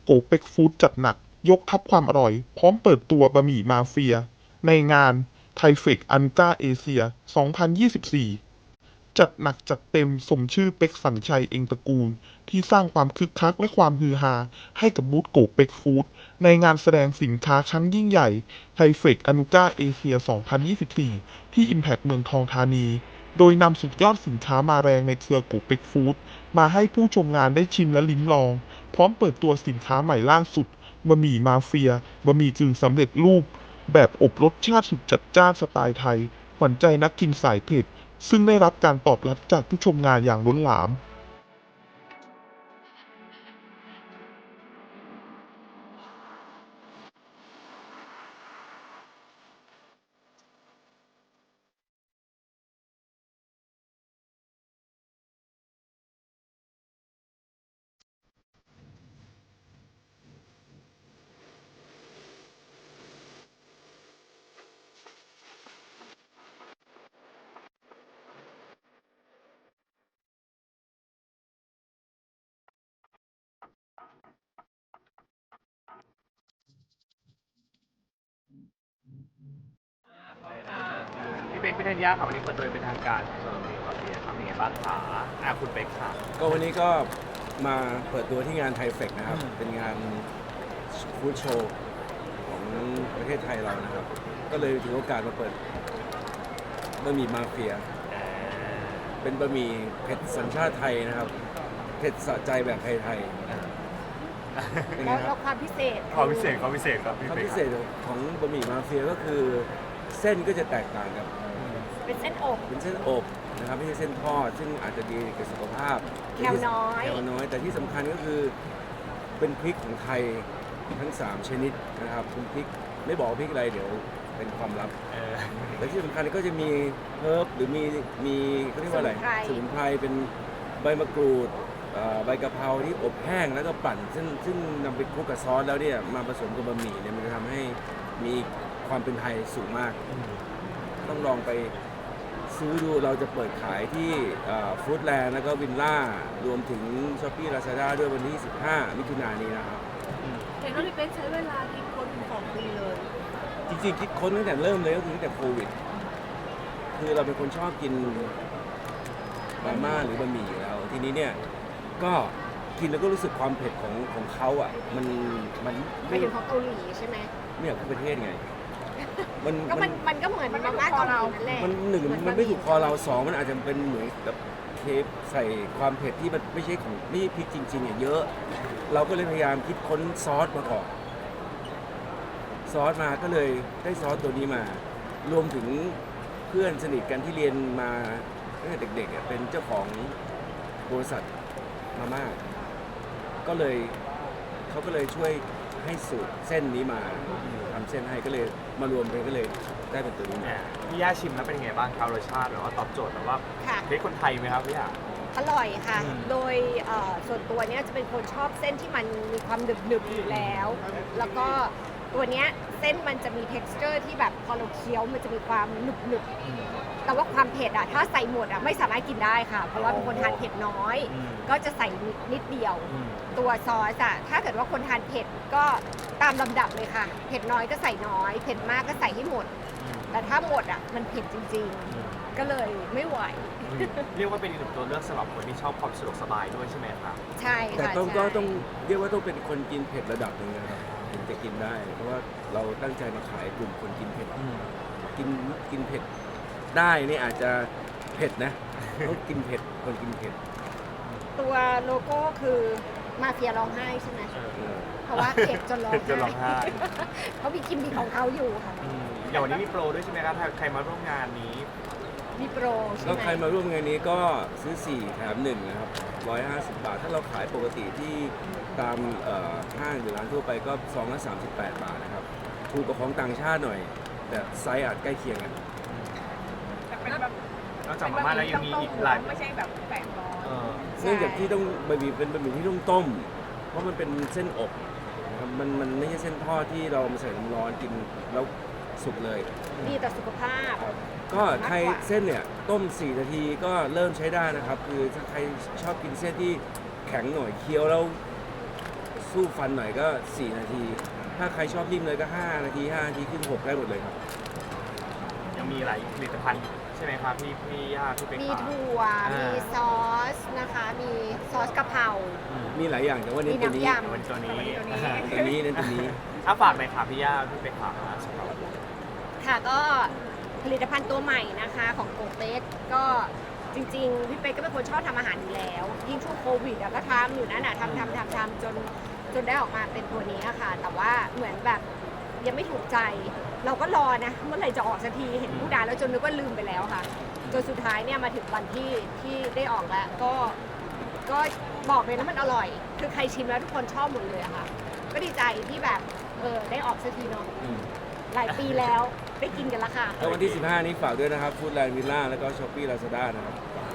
โกเป็กฟู้ดจัดหนักยกทัพความอร่อยพร้อมเปิดตัวบะหมี่มาเฟียในงานไทเฟกอันกาเอเชีย 2024 จัดหนักจัดเต็มสมชื่อเป็กสัญชัยเองตระกูลที่สร้างความคึกคักและความฮือฮาให้กับบูธโกเป็กฟู้ดในงานแสดงสินค้าครั้งยิ่งใหญ่ไทเฟกอันกาเอเชีย 2024 ที่ Impact เมืองทองธานี โดยนำสุดยอดสินค้ามาแรงในเครือโกเป็กฟู้ดมาให้ผู้ชมงานได้ชิมและลิ้มลองพร้อมเปิดตัวสินค้าใหม่ล่าสุดบะหมี่มาเฟียบะหมี่กึ่งสำเร็จรูปแบบอบรสชาติสุดจัดจ้านสไตล์ไทยขวัญใจนักกินสายเผ็ดซึ่งได้รับการตอบรับจากผู้ชมงานอย่างล้นหลามพี่เป๊กพิธัญญาครับวันนี้เปิดตัวเป็นทางการสำหรับมีคอเทียทำยังไงบ้างคะคุณเป๊กค่ะก็วันนี้ก็มาเปิดตัวที่งานไทเฟกนะครับ เป็นงานฟู้ดโชว์ของประเทศไทยเรานะครับ ก็เลยถือโอกาสมาเปิดบะหมี่มาเฟีย เป็นบะหมี่เผ็ดสัญชาติไทยนะครับ เผ็ดสะใจแบบไทยๆเป็นไงคแล้รัวบความพิเศษความพิเศษครับพี่ความเป๊กพิเศษของบะหมี่มาเฟียก็คือเส้นก็จะแตกต่างกับเป็นเส้นอกเป็นเส้นอบนะครับไม่ใช่เส้นทอดซึ่งอาจจะดีกับสุขภาพแคลน้อยแคลน้อย แต่ที่สำคัญก็คือเป็นพริกของไทยทั้ง 3 ชนิดนะครับเป็นพริกไม่บอกพริกอะไรเดี๋ยวเป็นความลับแต่ที่สำคัญก็จะมีเฮิร์บหรือมีเขาเรียกว่าอะไรสมุนไพรเป็นใบมะกรูดใบกะเพราที่อบแห้งแล้วก็ปั่นซึ่งนำไปคลุกกับซอสแล้วเนี่ยมาผสมกับบะหมี่เนี่ยมันจะทำให้มีความเป็นไทยสูงมาก ต้องลองไปซื้อดูเราจะเปิดขายที่ฟู้ดแลนด์แล้วก็วินล่ารวมถึงช้อปปี้ลาซาด้าด้วยวันที่ 15 มิถุนายนนี้นะครับเห็นว่าพี่เป็นใช้เวลาคิดค้นถึง2 ปีเลยจริงๆคิดค้นตั้งแต่เริ่มเลยก็คือตั้งแต่โควิด คือเราเป็นคนชอบกินมาม่าหรือบะหมี่อยู่แล้ว ทีนี้เนี่ยก็กินแล้วก็รู้สึกความเผ็ดของเขาอ่ะมันไม่ถึงของเกาหลีใช่ไหมไม่อยากพูดประเทศไงมันก็เหมือนมาม่าเกาหลีนั่นแหละมันหนึ่งมันไม่ถูกคอเราสองมันอาจจะเป็นเหมือนแบบเทปใส่ความเผ็ดที่มันไม่ใช่ของไม่ใช่พริกจริงๆเนี่ยเยอะ เราก็เลยพยายามคิดค้นซอสมาก่อนซอสมาก็เลยได้ซอสตัวนี้มา รวมถึงเพื่อนสนิทกันที่เรียนมาตั้งแต่เด็กๆเป็นเจ้าของบริษัทมาม่าก็เลยเขาก็เลยช่วยให้สูตรเส้นนี้มาทำเส้นให้ก็เลยมารวมกันก็เลยได้เป็นตัวนี้มาพี่ย่าชิมแล้วเป็นยังไงบ้างครับรสชาติหรือว่าตอบโจทย์แบบว่าค่ะเป๊กคนไทยไหมครับพี่ย่าอร่อยค่ะอืมโดยส่วนตัวเนี้ยจะเป็นคนชอบเส้นที่มันมีความหนึบๆอยู่แล้ว แล้วก็ตัวเนี้ยเส้นมันจะมี texture ที่แบบพอเราเคี้ยวมันจะมีความหนึบๆแต่ว่าความเผ็ดอะถ้าใส่หมดอะไม่สามารถกินได้ค่ะ เพราะว่าเป็นคนทานเผ็ดน้อย ก็จะใส่นิดเดียว ตัวซอสอะถ้าเกิดว่าคนทานเผ็ดก็ตามลำดับเลยค่ะ เผ็ดน้อยก็ใส่น้อย เผ็ดมากก็ใส่ให้หมด แต่ถ้าหมดอะมันเผ็ดจริงๆ ก็เลยไม่ไหวเรียกว่าเป็นอีกหนึ่งตัวเลือกสำหรับคนที่ชอบความสะดวกสบายด้วยใช่ไหมครับใช่แต่ค่ะต้องใช่ก็ต้องเรียกว่าต้องเป็นคนกินเผ็ดระดับหนึ่งนะครับถึงจะกินได้ เพราะว่าเราตั้งใจมาขายกลุ่มคนกินเผ็ดกินเผ็ดได้นี่อาจจะเผ็ดนะต้องกินเผ็ดคนกินเผ็ดตัวโลโก้คือมาเฟียร้องไห้ใช่ไหม เพราะว่าเผ็ดจนร้องเผ็ดจนร้องไห้เขามีกิมมิคของเขาอยู่ค่ะอย่างวันนี้มีโปรด้วยใช่ไหมครับถ้าใครมาร่วมงานนี้มีโปรใช่แล้วไหมใครมาร่วมงานนี้ก็ซื้อ 4 แถม 1 นะครับ 150 บาท ถ้าเราขายปกติที่ตามห้างหรือร้านทั่วไปก็ซองละ38 บาทนะครับ ถูกกว่าของต่างชาติหน่อย แต่ไซส์อาจใกล้เคียงกันนอกจากมาม่าแล้วยังมีอีกหลายไม่ใช่แบบแปลกร้อนเนื่องจากที่ต้องบะหมี่เป็นบะหมี่ที่ต้องต้ม เพราะมันเป็นเส้นอบนะครับมันไม่ใช่เส้นทอดที่เรามาใส่น้ำร้อนกินแล้วสุกเลยดีต่อสุขภาพก็ใครเส้นเนี่ยต้ม 4 นาทีก็เริ่มใช้ได้นะครับ คือถ้าใครชอบกินเส้นที่แข็งหน่อยเคี้ยวแล้วสสู้ฟันหน่อยก็ 4 นาที ถ้าใครชอบนิ่มเลยก็ 5 นาที 5 นาทีขึ้น 6 ได้หมดเลยครับยังมีหลายผลิตภัณฑ์ใช่ไหมครับพี่ย่าพี่เป็กมีขาถั่ว มีซอสนะคะ มีซอสกะเพรามีหลายอย่างแต่ว่าเน้นตัวนี้มีน้ำยำวันตัวนี้ตัวนี้เน้นตัวนี้ถ้าฝากหน่อยค่ะพี่ย่าพี่เป็กขาสำหรับค่ะก็ผลิตภัณฑ์ตัวใหม่นะคะของโกเป๊กก็จริงๆพี่เป๊กก็เป็นคนชอบทำอาหารอยู่แล้ว ยิ่งช่วงโควิดก็ทำอยู่นั่นน่ะทำจนได้ออกมาเป็นตัวนี้อะค่ะ แต่ว่าเหมือนแบบยังไม่ถูกใจ เราก็รอนะเมื่อไหร่จะออกสักทีเห็นผู้ดาแล้วจนนึกว่าลืมไปแล้วค่ะจนสุดท้ายเนี่ยมาถึงวันที่ได้ออกแล้วก็บอกเลยนะมันอร่อย คือใครชิมแล้วทุกคนชอบหมดเลยอะค่ะ ก็ดีใจที่แบบได้ออกสักทีเนาะหลายปีแล้วได้กินกันละค่ะแล้ววันที่ 15 นี้ฝากด้วยนะครับฟู้ดแลนด์วิลล่าแล้วก็ช้อปปี้ลาซาด้านะครับ